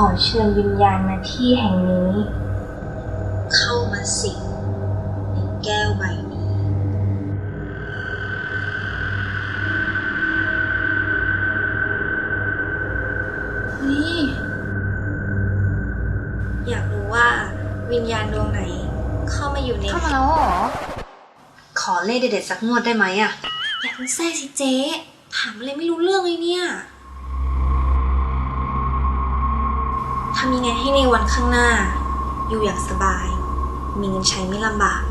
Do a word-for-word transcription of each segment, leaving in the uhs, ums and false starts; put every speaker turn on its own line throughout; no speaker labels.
อเชิญวิญญาณมาที่แห่งนี้เข้ามาสิงในแก้วใบนี้นี่อยากรู้ว่าวิญญาณดวงไหนเข้ามาอยู่ในเข้ามาแล้วหรอขอเลขเด็ดๆสักงวดได้ไหมอะอย่าเพิ่งแซ่สิเจ๊ถามอะไรไม่รู้เรื่องเลยเนี่ยทำยังไงให้ในวันข้างหน้าอยู่อย่างสบายมีเงินใช้ไม่ลำบาก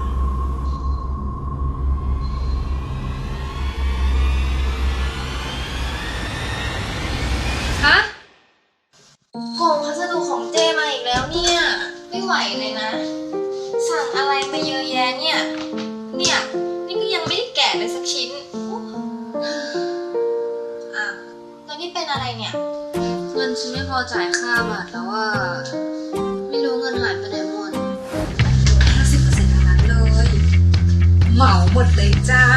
ฮะของพัสดุของเจมาอีกแล้วเนี่ยไม่ไหวเลยนะสั่งอะไรมาเยอะแยะเนี่ยเนี่ยนี่ก็ยังไม่ได้แกะเลยสักชิ้นอ้าวแล้วนี่เป็นอะไรเนี่ยเงินฉันไม่พอจ่ายค่าบัตรแล้วว่าไม่รู้เงินหายไปไหนหมดห้าสิบเปอร์เซ็นต์ทั้งนั้นเลยเหมาหมดเลยจ้า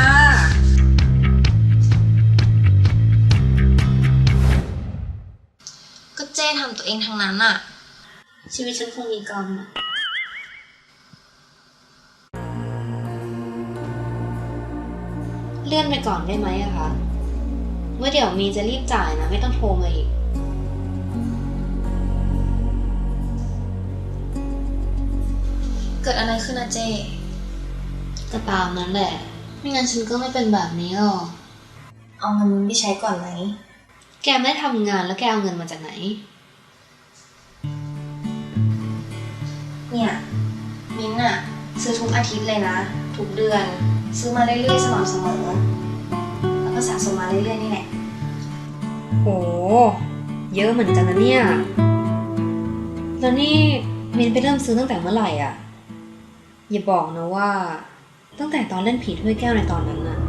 ก็เจ้ทำตัวเองทั้งนั้นอะชีวิตฉันคงมีกรรมอะเลื่อนไปก่อนได้ไหมอะคะเมื่อเดี๋ยวมีจะรีบจ่ายนะไม่ต้องโทรมาอีกเกิดอะไรขึ้นนะเจก็ตามนั้นแหละไม่งั้นฉันก็ไม่เป็นแบบนี้หรอกเอาเงินไปใช้ก่อนไหมแกไม่ทำงานแล้วแกเอาเงินมาจากไหนเนี่ยมิ้นท์อะซื้อทุกอาทิตย์เลยนะทุกเดือนซื้อมาเรื่อยๆสม่ำเสมอแล้วก็สะสมมาเรื่อยๆนี่แหละโอ้เยอะเหมือนกันนะเนี่ยแล้วนี่มิ้นท์ไปเริ่มซื้อตั้งแต่เมื่อไหร่อ่ะอย่าบอกนะว่าตั้งแต่ตอนเล่นผีถ้วยแก้วในตอนนั้นน่ะ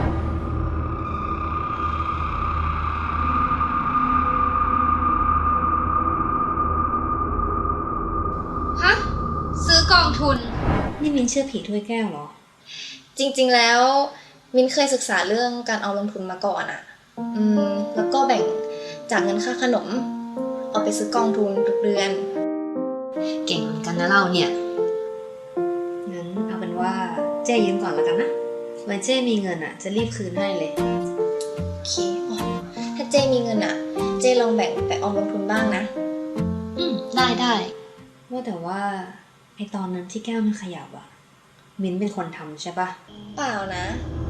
ฮะซื้อกองทุนนี่มิ้นท์เชื่อผีถ้วยแก้วเหรอจริงๆแล้วมิ้นเคยศึกษาเรื่องการเอาลงทุนมาก่อนอะอืมแล้วก็แบ่งจากเงินค่าขนมเอาไปซื้อกองทุนทุกเดือนเก่งเหมือนกันนะเราเนี่ยงั้นเอาเป็นว่าเจ้ยืมก่อนแล้วกันนะไว้เจ้มีเงินอะจะรีบคืนให้เลยโอเคถ้าเจ้มีเงินอะเจ้ลองแบ่งไปออมลงทุนบ้างนะอืมได้ได้ว่าแต่ว่าไอตอนนั้นที่แก้วมันขยับอะมิ้นเป็นคนทำใช่ปะเปล่านะ